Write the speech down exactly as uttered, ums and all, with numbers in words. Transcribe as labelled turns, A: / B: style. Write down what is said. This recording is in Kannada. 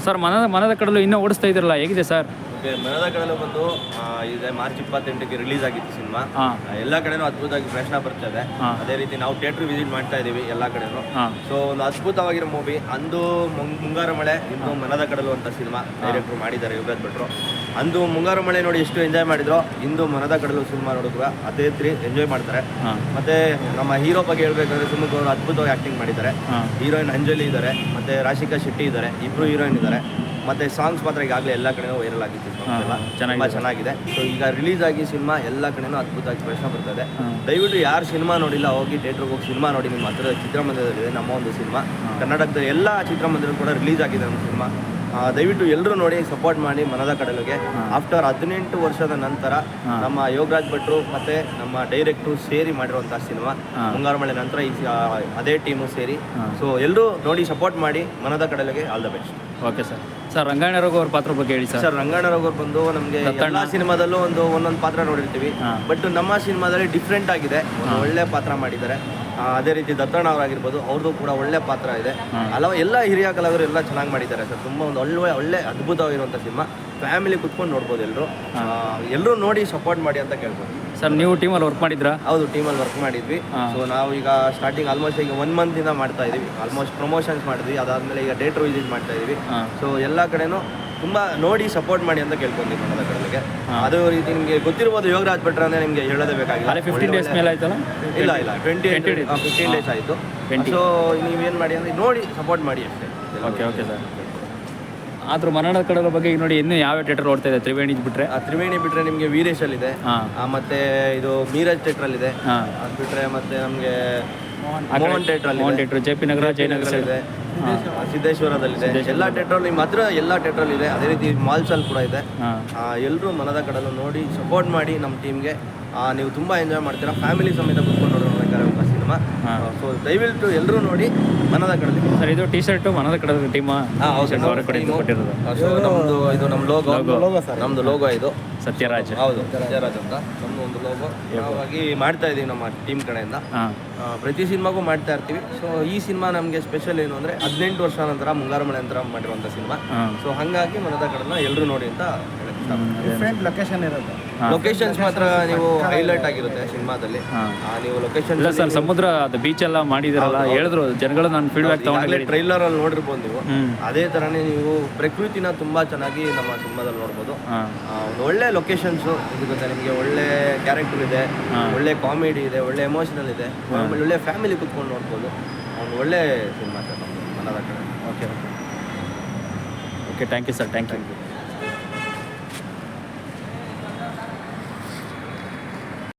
A: ಸರ್ ಮನದ ಮನದ ಕಡಲು ಇನ್ನೂ ಓಡಿಸ್ತಾ ಇದ್ರಲ್ಲ, ಹೇಗಿದೆ ಸರ್?
B: ಓಕೆ, ಮನದ ಕಡಲು ಬಂದು ಇದೆ ಮಾರ್ಚ್ ಇಪ್ಪತ್ತೆಂಟಕ್ಕೆ ರಿಲೀಸ್ ಆಗಿತ್ತು ಸಿನಿಮಾ. ಎಲ್ಲ ಕಡೆನೂ ಅದ್ಭುತವಾಗಿ ಪ್ರಶ್ನೆ ಬರ್ತಾ ಇದೆ. ಅದೇ ರೀತಿ ನಾವು ಥಿಯೇಟರ್ ವಿಸಿಟ್ ಮಾಡ್ತಾ ಇದೀವಿ ಎಲ್ಲ ಕಡೆನೂ. ಸೊ ಒಂದು ಅದ್ಭುತವಾಗಿರೋ ಮೂವಿ. ಅಂದು ಮುಂಗಾರು ಮಳೆ, ಇಂದು ಮನದ ಕಡಲು ಅಂತ ಸಿನಿಮಾ ಡೈರೆಕ್ಟ್ರು ಮಾಡಿದ್ದಾರೆ ಯುಗರಾಜ್ ಭಟ್ರು. ಅಂದು ಮುಂಗಾರು ಮಳೆ ನೋಡಿ ಎಷ್ಟು ಎಂಜಾಯ್ ಮಾಡಿದ್ರು, ಇಂದು ಮನದ ಕಡಲು ಸಿನಿಮಾ ನೋಡಿದ್ರು ಅದೇ ರೀತಿ ಎಂಜಾಯ್ ಮಾಡ್ತಾರೆ. ಮತ್ತೆ ನಮ್ಮ ಹೀರೋ ಬಗ್ಗೆ ಹೇಳ್ಬೇಕಂದ್ರೆ ಸುಮುಖ್ ಅವರು ಅದ್ಭುತವಾಗಿ ಆಕ್ಟಿಂಗ್ ಮಾಡಿದ್ದಾರೆ. ಹೀರೋಯಿನ್ ಅಂಜಲಿ ಇದ್ದಾರೆ, ಮತ್ತೆ ರಾಶಿಕಾ ಶೆಟ್ಟಿ ಇದ್ದಾರೆ, ಇಬ್ರು ಹೀರೋಯಿನ್ ಇದ್ದಾರೆ. ಮತ್ತೆ ಸಾಂಗ್ಸ್ ಮಾತ್ರ ಈಗಾಗಲೇ ಎಲ್ಲ ಕಡೆನೂ ವೈರಲ್ ಆಗಿತ್ತು, ತುಂಬ ಚೆನ್ನಾಗಿದೆ. ಸೊ ಈಗ ರಿಲೀಸ್ ಆಗಿ ಸಿನಿಮಾ ಎಲ್ಲ ಕಡೆನೂ ಅದ್ಭುತವಾಗಿ ಪ್ರಶ್ನೆ ಬರ್ತದೆ. ದಯವಿಟ್ಟು ಯಾರು ಸಿನಿಮಾ ನೋಡಿಲ್ಲ ಹೋಗಿ ಥಿಯೇಟ್ರಿಗೆ ಹೋಗಿ ಸಿನಿಮಾ ನೋಡಿ. ನಿಮ್ಮ ಹತ್ತಿರದ ಚಿತ್ರಮಂದಿರದಲ್ಲಿದೆ ನಮ್ಮ ಒಂದು ಸಿನಿಮಾ. ಕರ್ನಾಟಕದ ಎಲ್ಲ ಚಿತ್ರಮಂದಿರ ಕೂಡ ರಿಲೀಸ್ ಆಗಿದೆ ನಮ್ಮ ಸಿನಿಮಾ. ದಯವಿಟ್ಟು ಎಲ್ಲರೂ ನೋಡಿ ಸಪೋರ್ಟ್ ಮಾಡಿ ಮನದ ಕಡಲಿಗೆ. ಆಫ್ಟರ್ ಹದಿನೆಂಟು ವರ್ಷದ ನಂತರ ನಮ್ಮ ಯೋಗರಾಜ್ ಭಟ್ರು ಮತ್ತೆ ನಮ್ಮ ಡೈರೆಕ್ಟ್ರು ಸೇರಿ ಮಾಡಿರುವಂತಹ ಸಿನಿಮಾ ಮುಂಗಾರು ಮಳೆ ನಂತರ ಈ ಅದೇ ಟೀಮು ಸೇರಿ. ಸೊ ಎಲ್ಲರೂ ನೋಡಿ ಸಪೋರ್ಟ್ ಮಾಡಿ ಮನದ ಕಡಲಿಗೆ. All the best.
A: Okay sir. Sir Rangayana Raghu ಅವ್ರ ಪಾತ್ರ ಬಗ್ಗೆ ಹೇಳಿ ಸರ್.
B: ಸರ್ ರಂಗಾಯಣ ರಘು ಅವ್ರು ಬಂದು ನಮಗೆ ಎಲ್ಲ ಸಿನಿಮಾದಲ್ಲೂ ಒಂದು ಒಂದೊಂದು ಪಾತ್ರ ನೋಡಿರ್ತೀವಿ, ಬಟ್ ನಮ್ಮ ಸಿನಿಮಾದಲ್ಲಿ ಡಿಫ್ರೆಂಟ್ ಆಗಿದೆ. ಒಂದು ಒಳ್ಳೆ ಪಾತ್ರ ಮಾಡಿದ್ದಾರೆ. ಅದೇ ರೀತಿ ದತ್ತಣ್ಣ ಅವರಾಗಿರ್ಬೋದು, ಅವ್ರದ್ದು ಕೂಡ ಒಳ್ಳೆ ಪಾತ್ರ ಇದೆ. ಹಲವು ಎಲ್ಲ ಹಿರಿಯ ಕಲಾವಿದರು ಎಲ್ಲ ಚೆನ್ನಾಗಿ ಮಾಡಿದ್ದಾರೆ ಸರ್. ತುಂಬ ಒಂದು ಒಳ್ಳೆ ಒಳ್ಳೆ ಅದ್ಭುತವಾಗಿರುವಂಥ ಸಿನಿಮಾ. ಫ್ಯಾಮಿಲಿ ಕುತ್ಕೊಂಡು ನೋಡ್ಬೋದು ಎಲ್ಲರೂ. ಎಲ್ಲರೂ ನೋಡಿ ಸಪೋರ್ಟ್ ಮಾಡಿ ಅಂತ ಕೇಳ್ಬೋದು.
A: ಸರ್ ನೀವು ಟೀಮಲ್ಲಿ ವರ್ಕ್ ಮಾಡಿದ್ರಾ?
B: ಹೌದು, ಟೀಮಲ್ಲಿ ವರ್ಕ್ ಮಾಡಿದ್ವಿ. ಸೊ ನಾವು ಈಗ ಸ್ಟಾರ್ಟಿಂಗ್ ಆಲ್ಮೋಸ್ಟ್ ಈಗ ಒನ್ ಮಂತಿಂದ ಮಾಡ್ತಾ ಇದೀವಿ. ಆಲ್ಮೋಸ್ಟ್ ಪ್ರಮೋಷನ್ಸ್ ಮಾಡಿದ್ವಿ. ಅದಾದಮೇಲೆ ಈಗ ಡೇಟ್ರು ವಿಸಿಟ್ ಮಾಡ್ತಾ ಇದೀವಿ. ಸೊ ಎಲ್ಲ ಕಡೆನೂ ತುಂಬ ನೋಡಿ ಸಪೋರ್ಟ್ ಮಾಡಿ ಅಂತ ಕೇಳ್ಕೊಂತೀವಿ ಮನದ ಕಡಲಿಗೆ. ಅದು ರೀತಿ ನಿಮಗೆ ಗೊತ್ತಿರ್ಬೋದು, ಯೋಗರಾಜ್ ಭಟ್ರು ಅಂದರೆ ನಿಮಗೆ ಹೇಳೋದೇ ಬೇಕಾಗಿಲ್ಲ.
A: ಫಿಫ್ಟೀನ್ ಡೇಸ್ ಮೇಲೆ ಆಯ್ತಲ್ಲ?
B: ಇಲ್ಲ ಇಲ್ಲ ಟ್ವೆಂಟಿ ಫಿಫ್ಟೀನ್ ಡೇಸ್ ಆಯಿತು. ಸೊ ನೀವೇನು ಮಾಡಿ ಅಂದರೆ ನೋಡಿ ಸಪೋರ್ಟ್ ಮಾಡಿ ಅಷ್ಟೇ.
A: Okay okay sir. ಆದ್ರೂ ಮನದ ಕಡಲ ಬಗ್ಗೆ ಈಗ ನೋಡಿ ಇನ್ನೂ ಯಾವ ಥಿಯೇಟರ್ ಓಡ್ತಾ ಇದೆ? ತ್ರಿವೇಣಿ ಬಿಟ್ಟರೆ
B: ತ್ರಿವೇಣಿ ಬಿಟ್ಟರೆ ನಿಮಗೆ ವೀರೇಶಲ್ಲಿದೆ, ಮತ್ತೆ ಇದು ಮೀರಜ್ ಥಿಯೇಟ್ರಲ್ಲಿದೆ. ಅದು ಬಿಟ್ಟರೆ ಮತ್ತೆ ನಮಗೆ ಮೋಹನ್ ಥಿಯೇಟ್ರಲ್ಲಿ,
A: Mohan theatre, J P Nagar, Jayanagar ಇದೆ,
B: ಸಿದ್ದೇಶ್ವರದಲ್ಲಿದೆ. ಎಲ್ಲ ಥಿಯೇಟ್ರಲ್ಲಿ ನಿಮ್ಮ ಹತ್ರ ಎಲ್ಲ ಥಿಯೇಟ್ರಲ್ಲಿ ಇದೆ. ಅದೇ ರೀತಿ ಮಾಲ್ಸಲ್ಲಿ ಕೂಡ ಇದೆ. ಎಲ್ಲರೂ ಮನದ ಕಡಲು ನೋಡಿ ಸಪೋರ್ಟ್ ಮಾಡಿ ನಮ್ಮ ಟೀಮ್ಗೆ. ನೀವು ತುಂಬ ಎಂಜಾಯ್ ಮಾಡ್ತೀರಾ. ಫ್ಯಾಮಿಲಿ ಸಮೇತ ಕುತ್ಕೊಂಡು ನೋಡೋಣ ಸಿನಿಮಾ. ಸೊ ದಯವಿಟ್ಟು ಎಲ್ಲರೂ ನೋಡಿ ಮನದ ಕಡಲು.
A: ಸರ್ ಇದು ಟಿ ಶರ್ಟು ಮನದ ಕಡಲ ಟೀಮಾ? ಕೊಟ್ಟಿರೋದು.
B: ಸೊ ನಮ್ಮದು ಇದು ನಮ್ಮ ಲೋಗೋ, ನಮ್ಮದು ಲೋಗೋ ಇದು
A: ಸತ್ಯರಾಜ್.
B: ಹೌದು, ಸತ್ಯರಾಜ್ ಅಂತ ನಮ್ಮದು ಒಂದು ಲೋಗೋ. ನಾವಾಗಿ ಮಾಡ್ತಾ ಇದ್ದೀವಿ ನಮ್ಮ ಟೀಮ್ ಕಡೆಯಿಂದ. ಪ್ರತಿ ಸಿನಿಮಾಗೂ ಮಾಡ್ತಾ ಇರ್ತೀವಿ. ಸೊ ಈ ಸಿನಿಮಾ ನಮಗೆ ಸ್ಪೆಷಲ್ ಏನು ಅಂದರೆ ಹದಿನೆಂಟು ವರ್ಷ ನಂತರ ಮುಂಗಾರು ಮಳೆ ನಂತರ ಮಾಡಿರುವಂಥ ಸಿನಿಮಾ. ಸೊ ಹಾಗಾಗಿ ಮನದ ಕಡಲನ್ನ ಎಲ್ಲರೂ ನೋಡಿ ಅಂತ
C: ಡಿಫ್ರೆಂಟ್ ಲೊಕೇಶನ್ ಇರುತ್ತೆ.
B: ಲೊಕೇಶನ್ಸ್ ಮಾತ್ರ ನೀವು ಹೈಲೈಟ್ ಆಗಿರುತ್ತೆ ಸಿನಿಮಾದಲ್ಲಿ. ನೀವು ಲೊಕೇಶನ್
A: ಸರ್ ಸಮುದ್ರ ಅದು ಬೀಚ್ ಎಲ್ಲ ಮಾಡಿದಾರಲ್ಲ, ಹೇಳಿದ್ರು ಜನಗಳು. ನಾನು ಫೀಡ್ಬ್ಯಾಕ್ ತಗೊಂಡ್ರೆ
B: ಟ್ರೈಲರ್ ಅಲ್ಲಿ ನೋಡಿರ್ಬೋದು ನೀವು. ಅದೇ ತರನೇ ನೀವು ಪ್ರಕೃತಿನ ತುಂಬಾ ಚೆನ್ನಾಗಿ ನಮ್ಮ ಸಿನಿಮಾದಲ್ಲಿ ನೋಡ್ಬೋದು. ಒಂದು ಒಳ್ಳೆ ಲೊಕೇಶನ್ಸ್ ಸಿಗುತ್ತೆ ನಿಮಗೆ. ಒಳ್ಳೆ ಕ್ಯಾರೆಕ್ಟರ್ ಇದೆ, ಒಳ್ಳೆ ಕಾಮಿಡಿ ಇದೆ, ಒಳ್ಳೆ ಎಮೋಷನಲ್ ಇದೆ, ಒಳ್ಳೆ ಫ್ಯಾಮಿಲಿ ಕುತ್ಕೊಂಡು ನೋಡ್ಬೋದು. ಒಂದು ಒಳ್ಳೆ ಸಿನಿಮಾ ಸರ್ ನಮ್ಮದು ಮನದ ಕಡೆ.
A: Okay okay okay thank you sir. Thank you.